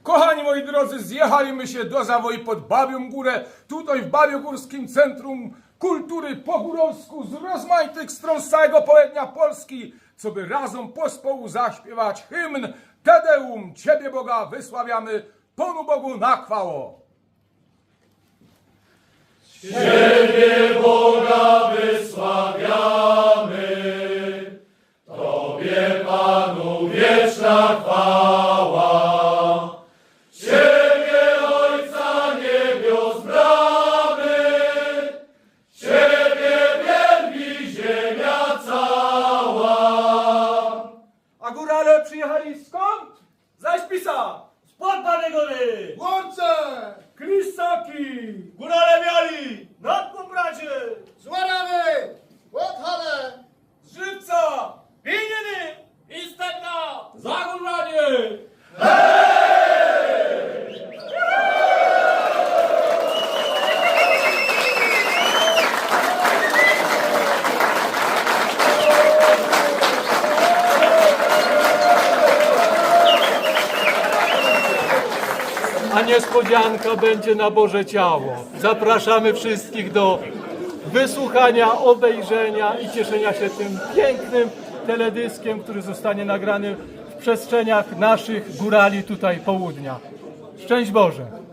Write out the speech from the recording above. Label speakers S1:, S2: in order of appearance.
S1: Kochani moi drodzy, zjechaliśmy się do Zawoi pod Babią Górę, tutaj w Babiogórskim Centrum Kultury po górowsku z rozmaitych stron z całego południa Polski, co by razem pospołu zaśpiewać hymn Te Deum, Ciebie Boga wysławiamy, Panu Bogu na chwało.
S2: Ciebie Boga wysławiamy, Tobie Panu wieczna chwała. Ciebie Ojca niebios bramy, Ciebie wielbi ziemia cała.
S3: A górale przyjechali skąd? Zaś Pisa! Spod Banej Góry!
S4: Łące!
S3: Krysaki! Górale miali! Nad Pobradzie!
S4: Z Łarawy! Podhale!
S3: Z Żywca! Wienieny! I Stepna! Zagórlanie!
S5: A niespodzianka będzie na Boże Ciało. Zapraszamy wszystkich do wysłuchania, obejrzenia i cieszenia się tym pięknym teledyskiem, który zostanie nagrany w przestrzeniach naszych górali tutaj południa. Szczęść Boże!